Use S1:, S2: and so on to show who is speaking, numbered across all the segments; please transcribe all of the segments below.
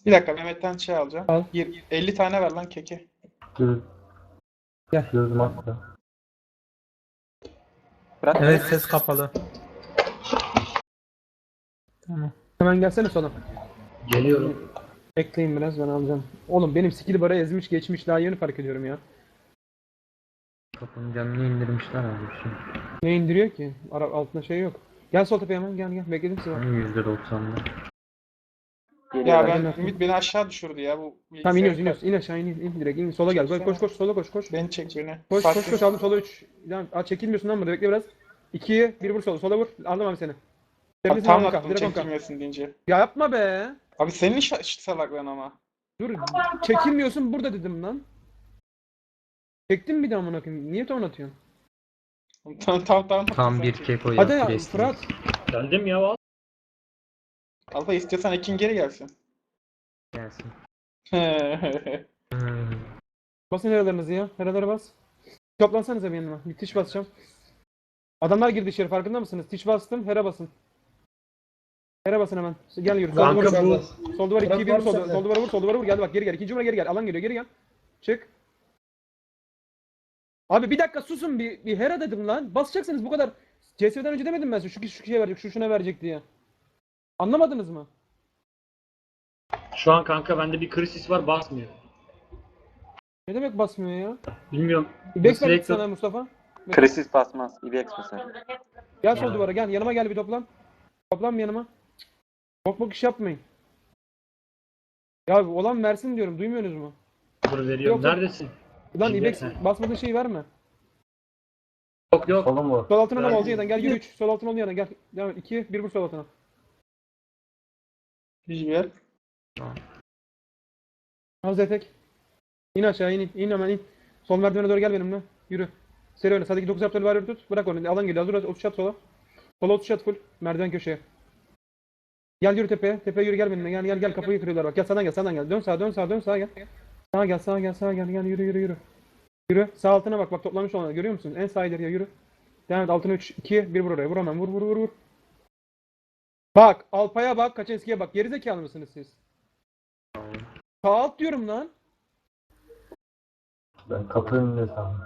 S1: Bir dakika Mehmet'ten şey alacağım.
S2: Al.
S1: 50 tane ver lan keke.
S3: Göz.
S2: Gel.
S3: Göz makro.
S2: Evet ses kapalı. Tamam. Hemen gelsene sola.
S4: Geliyorum.
S2: Bekleyin biraz ben alacağım. Oğlum benim skill bara ezmiş geçmiş daha yeni fark ediyorum ya.
S5: Kapının canını indirmişler abi şimdi.
S2: Ne indiriyor ki? Altında şey yok. Gel sol tepeye hemen gel. Bekledim sizi bak.
S5: %90'da.
S1: Ya
S2: ben-
S1: ben Ümit beni aşağı düşürdü ya bu bilgisayar.
S2: Tamam iniyoruz. İn aşağı in direkt. İn sola gel. Koş sola koş.
S1: Beni çek beni.
S2: Koş aldım sola 3. Çekilmiyorsun lan burada bekle biraz. 2'ye 1 vur sola vur. Aldım abi seni.
S1: Abi
S2: Tepesine
S1: tam
S2: direkt
S1: attım
S2: onka.
S1: çekilmesin deyince.
S2: Ya yapma be.
S1: Abi senin salaklığın ama.
S2: Dur çekilmiyorsun burada dedim lan. Çektim bir daha amına koyayım. Niye ton atıyorsun?
S1: Tamam.
S5: Tam bir keko
S2: Hadi
S5: yaptı
S2: ya
S5: resmi.
S2: Fırat.
S4: Geldim ya al.
S1: Alfa istiyorsan Ekin geri gelsin.
S5: Gelsin.
S2: Basın heralarınızı ya. Heralara bas. Toplansanıza bir yanıma. Bir tiş basacağım. Adamlar girdi içeri farkında mısınız? Tiş bastım. Hera basın. Hera basın hemen. Gel yürü.
S4: Kanka bu
S2: Sol duvar 2'ye 1 vur. Sol duvara vur. Geldi bak geri gel. İkinci numara geri gel. Alan geliyor. Geri gel. Çık. Abi bir dakika susun bir Hera dedim lan. Basacaksınız bu kadar. CS'den önce demedim ben size. Şu kişiye verecek, şuna verecek diye. Anlamadınız mı?
S4: şu an kanka bende bir krisis var basmıyor.
S2: Ne demek basmıyor ya?
S4: Bilmiyorum.
S2: İbex
S4: Nasıl
S2: verdik
S4: reklam-
S2: sana Mustafa.
S6: Krisis basmaz. IBX basar.
S2: Gel sol duvara gel. Yanıma gel bir toplan. Toplan bir yanıma. Bok iş yapmayın. Ya olan versin diyorum. Duymuyorsunuz mu?
S4: Dur veriyorum.
S2: Yok.
S4: Neredesin?
S2: Lan
S4: Şimdi-
S2: İbex basmadığın şeyi verme.
S4: Yok.
S3: Solum mu?
S2: Sol altına ne
S4: Verdim.
S2: oldu yerden? Gel yürü 3. Sol altına oldu yerden. Gel. Devam et. 2 1 vur sol altına.
S1: Gel.
S2: Al Zetek. İn aşağı in hemen in. Sol merdivene doğru gel benimle. Yürü. Seri oyna. Sadece 9 yaptığını var tut. Bırak onu. Alan geliyor. Hazır 30 şat sola. Sola 30 şat full. Merdiven köşeye. Gel yürü tepeye. Tepeye yürü gel benimle. Gel kapıyı kırıyorlar bak. Gel sağdan gel. Dön sağa gel. Sağa gel. Yürü. Yürü. Sağ altına bak toplamış olanlar. Görüyor musun? En sağ ileriye yürü. Devam et. Altına 3 2 1 vur oraya. Vur hemen. Vur. Bak. Alpay'a bak. Kaçenski'ye bak. Gerizekalı mısınız siz? Sağ alt diyorum lan.
S3: Ben kapı önünde sandım.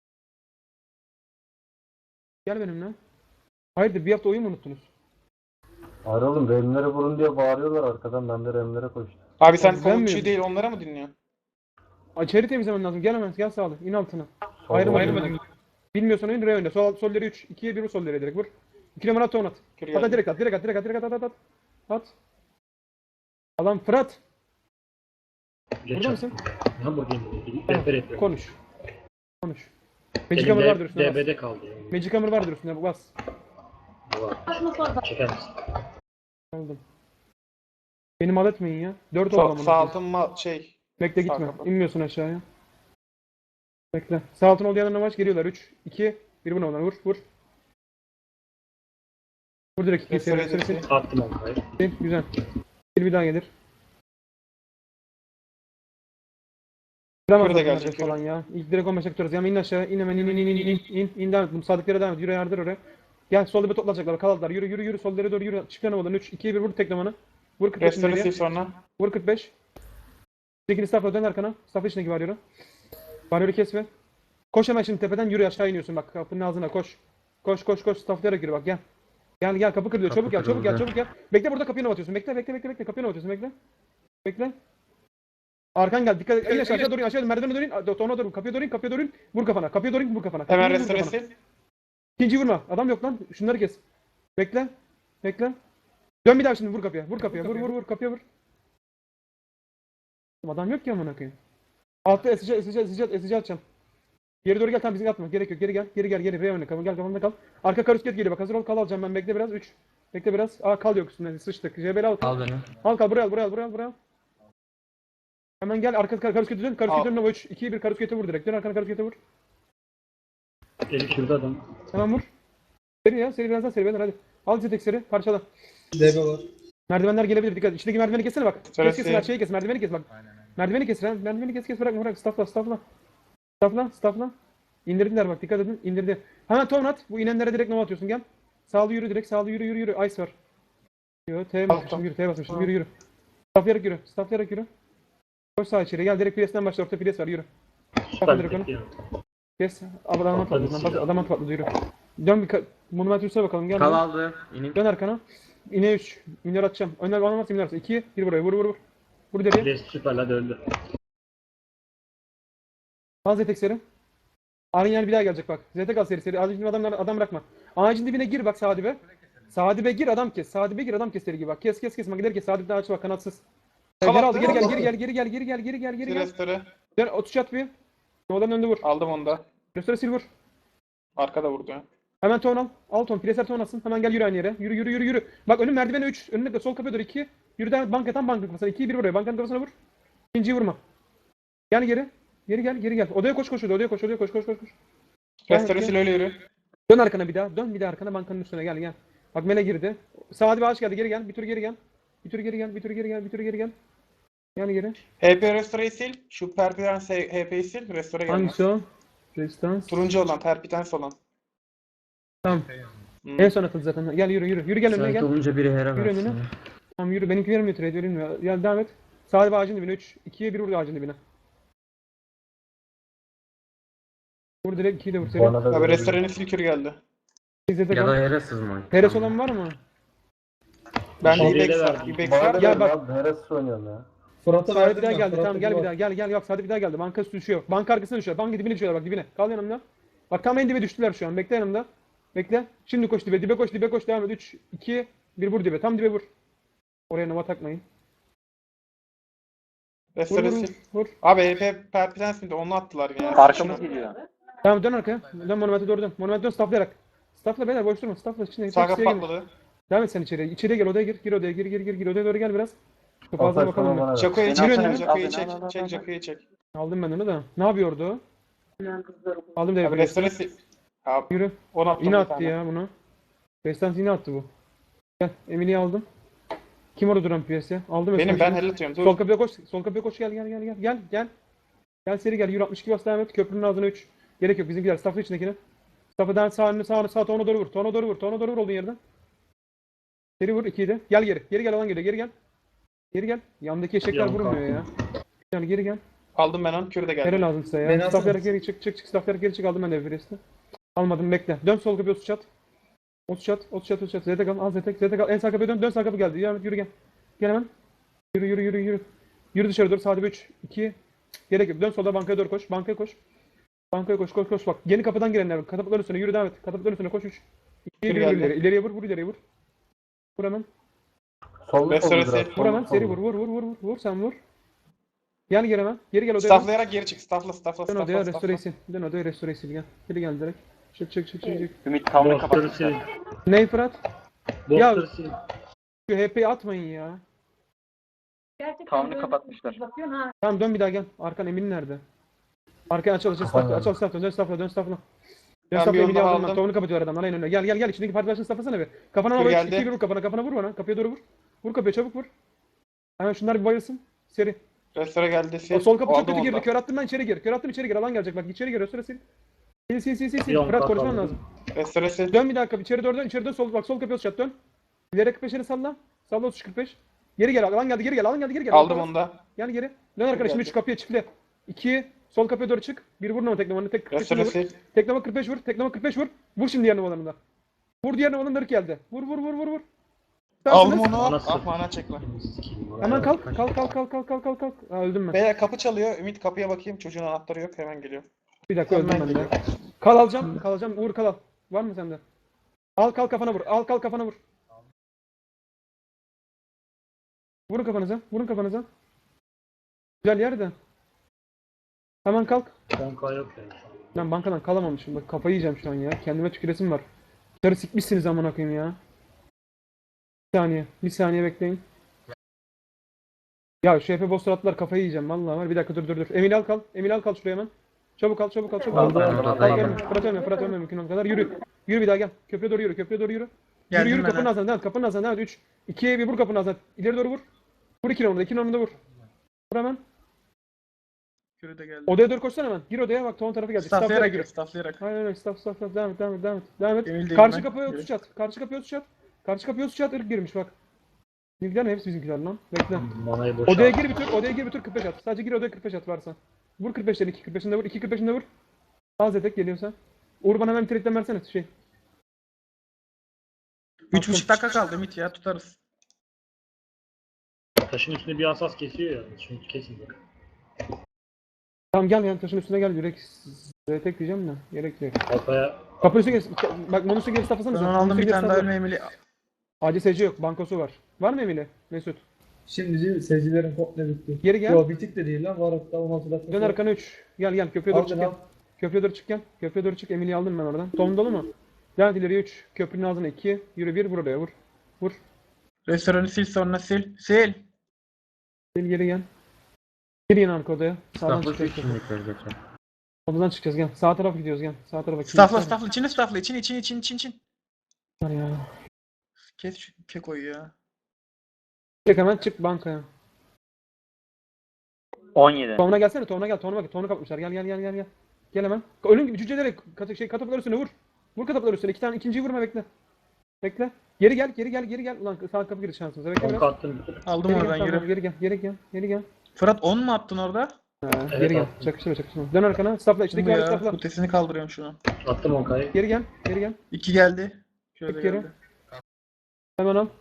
S2: Gel benimle. Hayırdır bir hafta oyun mu unuttunuz?
S3: Hayır oğlum remlere vurun diye bağırıyorlar arkadan. Ben de remlere koştum.
S1: Abi sen
S2: Ben
S1: komutçuyu
S2: miyim?
S1: değil onlara mı dinliyorsun?
S2: İçeri temizlemen lazım. Gel hemen. Gel sağlı. İn altına.
S3: Sol
S2: Ayrılma. Bilmiyorsan oyun re oyna. Solleri 3. 2'ye 1 vur solleri direkt vur. 2 numara at ton at.
S1: Geri
S2: Hatta
S1: gel.
S2: direkt at. At. Alan Fırat.
S4: Geç
S2: Burada
S4: al.
S2: mısın?
S4: Ha buradayım.
S2: Tamam,
S4: Rehber yapıyorum.
S2: Konuş. Magic Hammer vardır üstüne bas.
S4: DB'de kaldı. Yani.
S2: Magic Hammer vardır üstüne bas.
S4: Var. Çeker misin?
S2: Aldım. Beni mal etmeyin ya. 4
S1: Sağ,
S2: oldu
S1: sağ
S2: ama.
S1: altın şey.
S2: Bekle
S1: sağ
S2: gitme.
S1: kapat.
S2: İnmiyorsun aşağıya. Bekle. Sağ altın olduğu yanına maç geliyorlar. 3, 2, 1 buna ondan. Vur. Vur direkt 2 seri.
S4: Attım onu. Hayır.
S2: Güzel. Bir daha gelir.
S1: Kürü de
S2: Kıramaz
S1: gelecek,
S2: falan ya. İlk direkt 15 tutarız. Ya in aşağı. İn hemen in devam et. Bu sadıklara devam et. Yürü yardır oraya. Gel solda bir toplanacaklar. Kaldılar. Yürü. Sollara doğru yürü. Çık yanımadan. 3, 2, 1 vur teklemanı. Vur 45
S1: Restore
S2: ileriye.
S1: sil sonra.
S2: Vur 45. Tekini staff'a dön arkana. Staff içindeki varyoru. Varyoru kesme. Koş hemen şimdi tepeden yürü aşağı iniyorsun bak kapının ağzına koş. Koş stafflayarak yürü bak gel. Gel kapı kırılıyor.
S5: Kapı
S2: Çabuk gel.
S5: kırıldı.
S2: Bekle burada kapıya atıyorsun. Bekle. Kapıya atıyorsun bekle. Arkan gel. Dikkat et. İn aşağı doğru in. Merdivene doğru in. Tona doğru. Kapıya doğru in. Vur kafana.
S1: Hemen
S2: Vur
S1: restore
S2: kafana.
S1: sil.
S2: İkinci vurma. Adam yok lan. Şunları kes. Bekle. Dön bir daha şimdi vur kapıya. Vur kapıya vur. Adam yok ki amına koyayım. Altta esici atacağım. Geri doğru gel tam bizi atma. Gerek yok. Geri gel. Geri oyna. Gel kafamda kal. Arka karusket geliyor. Bak hazır ol. Kal alacağım ben. Bekle biraz. 3. Bekle biraz. Kal yok üstünde. Sıçtık. JBL al.
S5: Al beni.
S2: Al kal. Buraya al. Hemen gel. Arka karuskete dön. Karuskete dön. 3, 2, 1 karuskete vur direkt. Dön arkana karuskete vur.
S4: Eli şurada adam.
S2: Hemen vur. Seri biraz daha seri beyler hadi. Al tek seri. Parçala.
S7: DB var.
S2: Merdivenler gelebilir. Dikkat. İçindeki merdiveni kessene bak.
S1: Sırası.
S2: Kes. Şeyi kes. Merdiveni kes bak. Merdiveni kes. Merdiveni kes. Bırak. Staffla. İndirdiler bak. Dikkat edin. İndirdi. Hemen ton at. Bu inenlere direkt nova atıyorsun. Gel. Sağlı yürü direkt. Yürü. Ice var. Yo, T'ye basmışım. Yürü. Stafflayarak yürü. Stafflayarak yürü. Koş sağa içeri. Gel direkt Priest'ten başla. Orta Priest var. Yürü.
S4: Süper
S2: direkt onu.
S4: bekliyor.
S2: Kes. Adama
S4: Patladı
S2: patladı.
S4: silah.
S2: Adama patladı. Yürü. Dön bir Monument Yusuf'a bakalım. Gel.
S5: Kal
S2: Dön.
S5: aldı. İnin.
S2: Dön arkana. İne 3. Minör atacağım. Önden bana varsa minör atacağım. 2. 1 buraya. Vur vur vur. Vur deriye.
S4: Rest süper hadi öldü.
S2: Al Zetek seri. Ariel bir daha gelecek bak. Zetek al seri. Acil adam bırakma. Ağacın dibine gir bak sağ dibe. Sağ dibe gir adam kes. Sağ dibe gir adam kes seri gibi bak. Kes. Magiler kes. Sağ dibden aç bak kanatsız. Geri
S1: Kapat,
S2: aldı. Geri
S1: kapat.
S2: gel.
S1: Restore.
S2: Dön 30 at bir. Nolan önde vur.
S1: Aldım onu da.
S2: Restore sil vur.
S1: Arkada vurdu ya.
S2: Hemen ton al. Al ton. Preser ton alsın. Hemen gel yürü aynı yere. Yürü. Bak önün merdivene 3. Önünde de sol kapıya doğru 2. Yürü devam et. Banka kafasına. 2 1 buraya. Bankanın kafasına vur. İkinciyi vurma. Gel geri. Geri gel. Odaya koş. Odaya koş.
S1: Restore sil öyle yürü.
S2: Dön arkana bir daha. Dön bir daha arkana bankanın üstüne gel. Bak mele girdi. Sağ bir ağaç geldi. Geri gel. Bir tur geri gel. Yani geri.
S1: HP Restore'yi sil. Şu Perpitans HP'yi sil. Restore gelmez.
S2: Hangisi o? Resistance.
S1: Turuncu olan, Perpitans olan.
S2: Tamam.
S1: Hmm.
S2: En son atıldı zaten. Gel yürü. Yürü gel önüne
S5: Sanki
S2: gel.
S5: olunca biri hera
S2: Yürü
S5: versin.
S2: önüne.
S5: ya.
S2: Tamam yürü. Benimki vermiyor trade verilmiyor. Ya devam et. Sağ bir ağacın dibine 3. 2'ye 1 vur ağacın dibine. Vur direkt 2'yi de vur. Seri.
S3: Bana da
S1: Abi
S3: verebilir.
S1: Restore'nin sil kürü geldi.
S2: İzzete
S5: Ya da
S2: kal.
S5: hera sızmayın.
S2: Heres olan var mı?
S1: Ben de
S4: Şimdiye
S1: Ibex
S4: de
S1: var.
S4: verdim.
S1: Ibex
S3: Bana
S1: var.
S3: da
S2: Ya
S3: verin
S2: bak-
S3: abi. Heres oynuyorum ya.
S2: Sade bir daha geldi. Tamam gel bir daha. Gel. Bak Sade bir daha geldi. Banka üstü düşüyor. Banka arkasına düşüyor. Banka dibine düşüyorlar bak dibine. Kal yanımda. Bak tam en dibe düştüler şu an. Bekle yanımda. Bekle. Şimdi koş dibe. Dibe koş. Devam et. 3, 2, 1 vur dibe. Tam dibe vur. Oraya nova takmayın. Vur
S1: Restore
S2: vur
S1: sil.
S2: vur.
S1: Abi HP Perpitans mıydı? Onu attılar yine.
S6: Arkamız geliyor.
S2: Tamam dön arkaya. Dön monumente doğru dön. Monumente dön stafflayarak. Staffla beyler boş durma. Staffla içine.
S1: Sağ kapı
S2: içeriye gir.
S1: patladı.
S2: Devam et sen içeriye. İçeriye gel odaya gir. Gir odaya gir. Odaya doğru gel biraz. Şu fazla
S3: Alper
S2: bakalım
S3: sana
S2: mı?
S3: bana ver.
S1: Jaco'yu
S6: Beni
S1: çek.
S2: al,
S6: beni al,
S1: Jaco'yu
S6: beni
S1: çek.
S6: al, al,
S1: Çek
S6: al.
S1: Jaco'yu çek.
S2: Aldım ben onu da. Ne yapıyordu? Aldım
S1: Abi
S2: devi.
S1: Restore sil. Abi
S2: Yürü.
S1: onu attım
S2: Yine
S1: bir
S2: attı
S1: tane.
S2: ya bunu. Bestans yine attı bu. Gel. Emily'yi aldım. Kim orada duran piyasaya? Aldım.
S1: Benim
S2: Esra'yı.
S1: ben helal atıyorum.
S2: Sol
S1: Dur.
S2: kapıya koş. Gel. Gel seri gel. Yürü 62 bas devam et. Köprünün ağzına 3. Gerek yok bizimkiler. Staff'ın içindekine. Staff'ı daha sağ tona doğru vur. Tona doğru vur olduğun yerden. Seri vur 2'yi de. Gel geri. Geri gel alan geliyor. Geri gel. Yandaki eşekler
S4: Yan
S2: vurmuyor ya. Yani geri gel.
S1: Aldım ben onu. Kürü de
S2: Nere
S1: geldi.
S2: lazım size ya? Stafflayarak geri çık. Stafflayarak geri çık. Aldım ben de Everest'i. Almadım bekle. Dön sol kapıya 30 çat. 30 çat. Zete kal. Al Zete kal. En sağ kapıya dön. Dön sağ kapı geldi. Yürü gel. Gel hemen. Yürü. Yürü dışarı doğru. Sağda 3, 2. Gerek yok. Dön solda bankaya doğru koş. Bankaya koş. Bak. Yeni kapıdan girenler. Katapultların üstüne yürü devam et. Katapultların üstüne koş 3. 2'ye 1
S1: geldi.
S2: ileri. İleriye vur. Vur hemen.
S3: Sollu
S1: Restore
S3: sollu biraz.
S1: sil.
S2: Vur hemen. Seri
S3: sollu.
S2: vur. Sen vur. Gel geri hemen. Geri gel odaya.
S1: Stafflayarak geri çık. Staffla.
S2: Dön odaya restore sil. Gel. Geri gel direkt. Çık.
S6: Ümit tavını
S4: Botları
S6: kapatmışlar.
S4: sil.
S2: Ney Fırat?
S4: Botları sil.
S2: Şu HP'yi atmayın ya.
S6: Tavını kapatmışlar.
S2: Tamam dön bir daha gel. Arkan Emin nerede? Arkaya aç staffla. Dön staffla. Dön
S1: Ben
S2: staffla
S1: bir onu
S2: Emin'i
S1: daha
S2: aldım ben.
S1: aldım.
S2: Tavanı kapatıyor aradan. Aynen öyle. Gel. İçindeki parti başını stafflasana bir. Kafana
S1: Dur,
S2: vur.
S1: geldi.
S2: 2 vur kafana vur bana. Kapıya doğru vur. Vur kapıya çabuk vur. Hemen şunlar bir bayılsın. Seri.
S1: Restore geldi. Sil.
S2: O sol kapı çok
S1: Aldım
S2: kötü
S1: onu
S2: girdi.
S1: da.
S2: Kör attım ben içeri gir. Alan gelecek bak. İçeri gir. Restore sil. Sil.
S4: Yon
S2: Fırat
S4: kapalı.
S2: konuşman lazım.
S1: Restore sil.
S2: Dön bir daha kapı. İçeri doğru dön. Sol kapıya çat dön. İleri 45'leri salla. Salla 30-45. Geri gel. Alan geldi. Geri gel.
S1: Aldım onu da.
S2: Yani geri. Dön arkadaşım
S1: geldi.
S2: 3 kapıya çiftle. 2 sol kapıya doğru çık. 1 vur teknomanı tek 45
S1: Restore
S2: vur.
S1: sil.
S2: Teklama 45 vur. Teklama 45 vur. Vur şimdi diğer numaralarında. Vur diğer numaralarında geldi. Vur.
S1: Aldım
S2: Süpersiniz.
S1: onu.
S4: Nasıl?
S1: Ah mana çekme.
S2: Hemen kalk. Ha, öldüm ben.
S1: Beyler kapı çalıyor. Ümit kapıya bakayım. Çocuğun anahtarı yok. Hemen geliyor.
S2: Bir dakika öldüm
S1: Hemen
S2: ben de.
S1: geliyor.
S2: Kal alacağım. Uğur kal al. Var mı sende? Al kafana vur. Vurun kafanıza. Güzel yerde. Hemen kalk.
S4: Banka yok ya.
S2: Ben bankadan kalamamışım. Bak kafayı yiyeceğim şu an ya. Kendime tüküresim var. Dışarı sikmişsiniz amına koyayım ya. Bir saniye bekleyin. Ya şu Efe boss attılar kafayı yiyeceğim vallahi var. Bir dakika dur. Emil al kal şuraya hemen. Çabuk al.
S5: Aldım.
S2: Fırat ölme mümkün olduğu kadar. Yürü bir daha gel. Köprüye doğru yürü. Yürü kapının ağzına devam et. 3, 2'ye 1 vur kapının ağzına. İleri doğru vur. Vur 2 numarada vur. Vur hemen.
S1: Kürü de geldi.
S2: Odaya doğru koşsana hemen. Gir odaya bak ton tarafı gelecek.
S1: Stafflayarak gir. Stafflayarak.
S2: Aynen öyle. Staff. Devam et.
S1: Emil değil
S2: Karşı
S1: ben.
S2: kapıya 30 at. Karşı kapıya 30 at. Irk girmiş bak. Bizimkiler mi? Hepsi bizimkiler lan. Bekle.
S4: Manayı boşalt.
S2: Odaya gir bir tur. Odaya gir bir tur 45 at. Sadece gir odaya 45 at varsa. Vur 45'leri 2 45'inde vur. 2 45'inde vur. Az etek geliyorsa. Uğur bana hemen bir trade'den versene şey.
S1: 3,5 dakika kaldı Ümit ya tutarız.
S4: Taşın üstünde bir asas kesiyor ya. Şimdi kesin bak.
S2: Tamam gel yani taşın üstüne gel. Yürek tek diyeceğim de. Gerek yok.
S4: Kafaya
S2: Kapı üstüne gel. Bak Monus'u geri staflasanıza.
S1: Ben onu aldım bir tane daha ölme Emily.
S2: ACSC yok. Bankosu var. Var mı Emili? Mesut.
S5: Şimdi seyircilerin komple bitti.
S2: Geri gel.
S5: Yo bitik de değil lan. Var hatta 16 dakika.
S2: Dön arkana 3. Gel köprüye doğru
S5: Al
S2: çık
S5: beni
S2: gel.
S5: al.
S2: Köprüye doğru çık gel. Köprüye doğru çık. Emili'yi aldım ben oradan. Tom dolu mu? Devam et ileriye 3. Köprünün ağzına 2. Yürü 1. Vur oraya vur. Vur.
S1: Restoranı sil sonra sil. Sil.
S2: Geri gel. Geri yine arka odaya. Sağdan
S6: Stafford
S2: çıkacağız.
S6: için bekliyoruz zaten.
S2: Odadan çıkacağız gel. Sağ tarafa gidiyoruz gel. Sağ tarafa.
S1: Staffla staffla içini staffla için.
S2: Var ya.
S1: Kes şu kekoyu ya.
S2: Çık hemen çık bankaya.
S6: 17.
S2: Tonuna gelsene. Tonuna gel. Tonuna bak. Tonunu kapatmışlar. Gel. Gel hemen. Ölüm gibi cücelerek kataplar üstüne vur. Vur kataplar üstüne. İki tane ikinciyi vurma bekle. Bekle. Geri gel. Ulan sağ kapı giriş şansımıza. Bekle
S4: 10
S2: biraz.
S4: kattım.
S1: Aldım
S2: Geri gel,
S1: oradan
S2: tamam,
S1: yürü.
S2: geri gel.
S1: Fırat 10 mu attın orada?
S2: Ha,
S4: Evet,
S2: geri gel.
S4: attım.
S2: Çakıştırma. Dön arkana. Stopla. İçindeki
S1: Bu
S2: var
S1: ya.
S2: stopla.
S1: Kutesini kaldırıyorum şunu.
S4: Attım 10K'yı.
S2: Geri gel.
S1: 2 geldi. Şöyle
S2: Tek geri.
S1: geldi.
S2: Hemen al.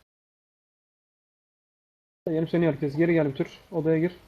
S2: Yenim seni herkes. Geri gel bir tür. Odaya gir.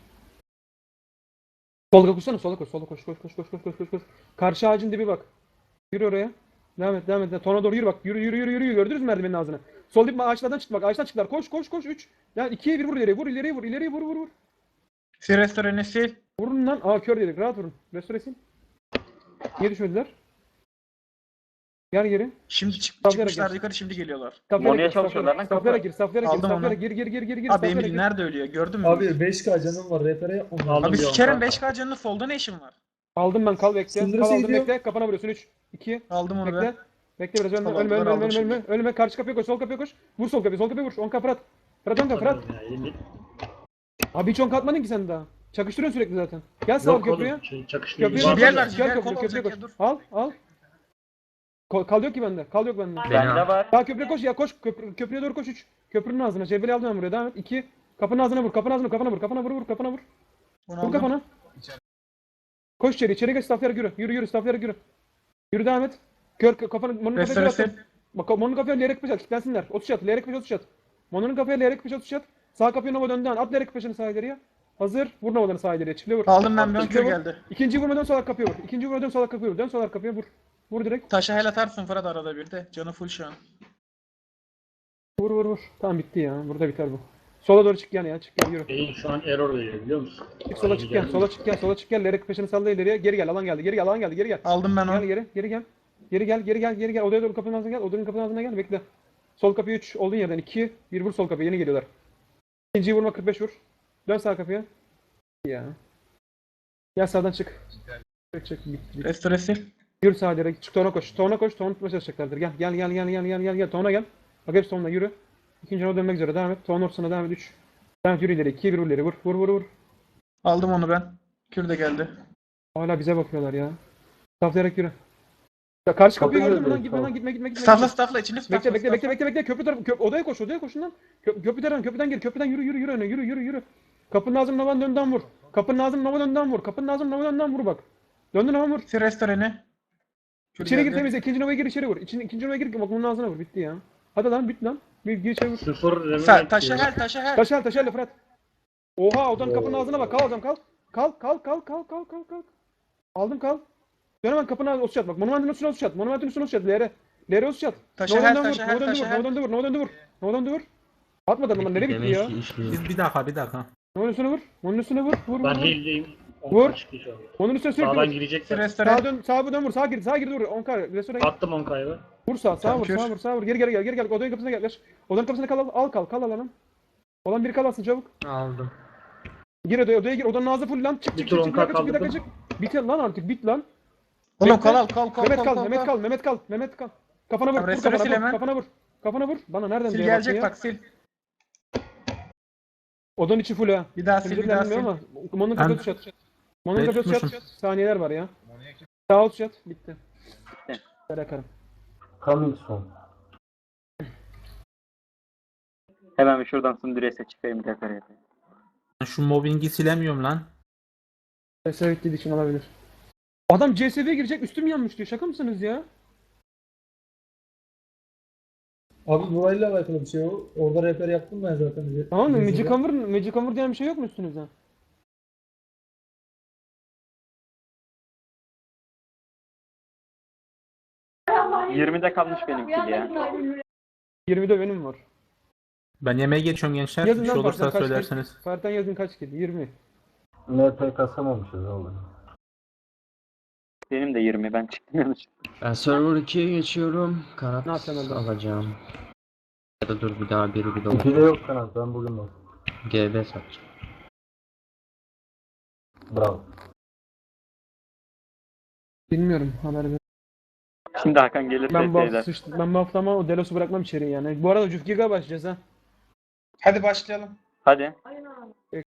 S2: Sola koşsana. Sola koş. Koş. Karşı ağacın dibi bak. Yürü oraya. Devam et. Tona doğru yürü bak. Yürü. Gördünüz mü merdivenin ağzına? Sol dip ağaçlardan çıktı bak. Ağaçtan çıktılar. Koş. 3. Yani 2'ye 1 vur ileriye. Vur.
S1: Sil restoranı sil.
S2: Vurun lan. Aa kör dedik. Rahat vurun. Restoresin. Niye düşmediler? Gel geri.
S1: Şimdi
S2: Stafflayarak
S1: çıkmışlar
S2: gel.
S1: yukarı şimdi geliyorlar.
S6: Mono'ya çalışıyorlar lan,
S2: Saflara
S6: kapı.
S2: gir. Saflara
S1: Aldım onu.
S2: gir.
S1: Abi
S2: Saflara
S1: Emily
S2: gir.
S1: nerede ölüyor gördün mü?
S5: Abi 5K canım var. Repere yapmam lazım.
S4: Aldım
S1: Abi
S4: bir
S1: sikerim
S4: 10K.
S1: 5K canını solda ne işin var?
S2: Aldım ben kal bekle.
S5: Sındırı
S2: Kal aldım
S5: gidiyor.
S2: bekle. Kafana vuruyorsun 3 2
S1: Aldım onu
S2: bekle.
S1: ben.
S2: Bekle biraz
S1: Tamam, bunları aldım
S2: ölme.
S1: şimdi.
S2: Ölme. Karşı kapıya koş. Sol kapıya koş. Vur sol kapıya vur. 10 Fırat. Fırat.
S4: Ya, elim-
S2: Abi hiç 10 atmadın ki sen daha. Çakıştırıyorsun sürekli zaten. Gel sağ
S4: Yok
S2: köprüye.
S4: oğlum. Çakıştırıyor.
S2: Köprüye
S1: JBL
S2: doğru
S1: var,
S2: koş.
S1: JBL
S2: Gel
S1: kol
S2: köprüye
S1: olacak
S2: koş.
S1: ya, dur.
S2: Al. Kal yok ki bende.
S6: Bende var.
S2: Daha köprüye koş ya koş. Köprüye doğru koş 3. Köprünün ağzına. JBL aldım ben buraya. Devam et. 2. Kapının ağzına vur. Kafana vur. Kafana vur.
S1: Bunu
S2: Vur
S1: aldım.
S2: kafana. Koş içeri geç stafflara yürü stafflara yürü. Yürü devam et. Kafanı Mono'nun kafaya
S1: Restore
S2: at. Bak Mono'nun kafaya lerek peş at. Kitlensinler. 30 at. Lerek peş 30 at. Mono'nun kafaya lerek peş 30 at. Sağ kapıya Nova döndü. At lerek peşini sağ ileriye. Hazır. Vur Nova'dan sağ ileriye. Çiftle vur.
S1: Aldım ben bir ön
S2: Çiftle
S1: kür
S2: vur.
S1: geldi.
S2: İkinci vurma dön sol kapıya vur. Dön sol kapıya vur. Vur direkt.
S1: Taşa hel atarsın Fırat arada bir de. Canı full şu an.
S2: Vur. Tamam bitti ya. Burada biter bu. Sola doğru çık ya. Çık gel yürü.
S4: Beyin şu an error veriyor biliyor musun?
S2: Çık sola çık gel. Sola çık gel. Lerek peşini salla ileriye. Geri gel. Alan geldi. Geri gel.
S1: Aldım ben onu.
S2: Geri gel. Odaya doğru kapının ağzına gel. Odanın kapının ağzına gel. Bekle. Sol kapıya 3 olduğun yerden 2 1 vur sol kapıya. Yeni geliyorlar. İkinciyi vurma 45 vur. Dön sağ kapıya. Ya. Gel sağdan çık. Çık. Bit.
S1: Restore sil.
S2: Yürü sağa direkt. Çık tona koş. Tona tutmaya çalışacaklardır. Gel. Tona gel. Bak hepsi tonla yürü. İkinci ona dönmek üzere. Devam et. Ton ortasına devam et 3. Devam et yürü ileri. 2 1 vur ileri. Vur.
S1: Aldım onu ben. Kür de geldi.
S2: Hala bize bakıyorlar ya. Saflayarak yürü. Ya karşı kapıyı
S3: Kapıyı
S2: gördün mü lan?
S3: gördüm,
S2: Gitme.
S1: Staffla içini staffla.
S2: Bekle. Köprü tarafı. Odaya koş şundan. Köprüden gir. Köprüden yürü öne. Yürü. Kapının ağzını Nova'nın dönden vur. Kapının ağzını Nova'dan vur bak. Döndü Nova vur.
S1: Sil restoranı. Kür
S2: İçeri gir
S1: geldi.
S2: temizle. İkinci Nova'ya gir içeri vur. İkinci Nova'ya gir. Bak bunun ağzına vur. Bitti ya. Hadi lan bit lan. Gir içeri vur.
S4: 0 remove
S1: Taşa
S4: diyor.
S1: hel.
S2: Taşerle Fırat. Oha odanın kapının ağzına bak. Kal hocam kal. Kal. Aldım kal. Dön hemen kapının ağzına osu bak. Monumentin üstüne osu çat. Lere osu çat.
S1: Taşa hel.
S2: Nova'dan vur. Atmadan lan nereye bitti ya?
S7: Bir dakika.
S2: Onun üstüne vur. Vur.
S4: Ben heal'deyim.
S2: Vur.
S4: 10K çıktı şu an.
S2: Onun üstüne
S4: Sağdan
S2: sürekli vur.
S1: Sil
S4: girecekler.
S1: restoranı.
S2: Sağa dön vur. Sağa gir dur. 10K. Restorana git.
S4: Attım 10K'yı.
S2: Vur sağa
S1: Tamam,
S2: vur. Geri gel. Odanın kapısına gel. Odanın kapısına kal alanım. Olan biri kalasın çabuk.
S6: Aldım.
S2: Gir odaya gir. Odanın ağzı full lan. Çık.
S4: Bir tur 10K
S2: Bir dakika
S4: kaldırdım.
S2: çık. Bit lan artık bit lan.
S1: Oğlum
S2: Bekle.
S1: kal.
S2: Mehmet kal. Kafana vur.
S1: Tamam, restore sil hemen.
S2: Kafana vur. Bana nereden
S1: Sil
S2: diye
S1: gelecek
S2: baktın ya?
S1: bak sil.
S2: Odanın içi full ha.
S1: Bir daha sil.
S2: Temizlikler bilmiyorum ama. Mon'un
S7: Ben-
S2: kafası çat. Mon'un kafası çat.
S7: tutmuşum.
S2: Saniyeler var ya. Sağ ol çat. Bitti. Bırakarım.
S3: Coming soon.
S6: Hemen bir şuradan Sundres'e çıkayım tekrar.
S7: Ben şu mobbingi silemiyorum lan.
S2: Evet için olabilir. Adam CSV'ye girecek üstüm yanmış diyor. Şaka mısınız ya?
S5: Abi burayla alakalı bir şey o. Orada rehber yaptım ben zaten.
S2: Tamam mı?
S5: Gezide.
S2: Magic Hammer diyen bir şey yok mu üstünüzde?
S6: Tamam. 20'de kalmış benimki ya.
S2: 20'de benim var.
S7: Ben yemeğe geçiyorum gençler.
S2: Yazın
S7: Bir şey
S2: lan
S7: olursa
S2: Fartan kaç
S7: söylerseniz.
S2: kill? Fartan yazın kaç kill? 20.
S3: NP kasamamışız oğlum.
S6: Benim de 20, ben çıktım yanlış.
S8: Ben server 2'ye geçiyorum. Kanat
S2: Ne yapacaksın orada?
S8: alacağım. Ya da dur bir daha biri bir
S3: İki de
S8: de
S3: yok kanat ben bugün bak.
S8: GB satacağım.
S3: Bravo.
S2: Bilmiyorum haber ver.
S6: Şimdi Hakan gelirse
S2: Ben bu
S6: şeyler.
S2: hafta ben bu hafta ama o Delos'u bırakmam içeri yani. Bu arada Cüf Giga başlayacağız ha.
S1: Hadi başlayalım.
S6: Hadi.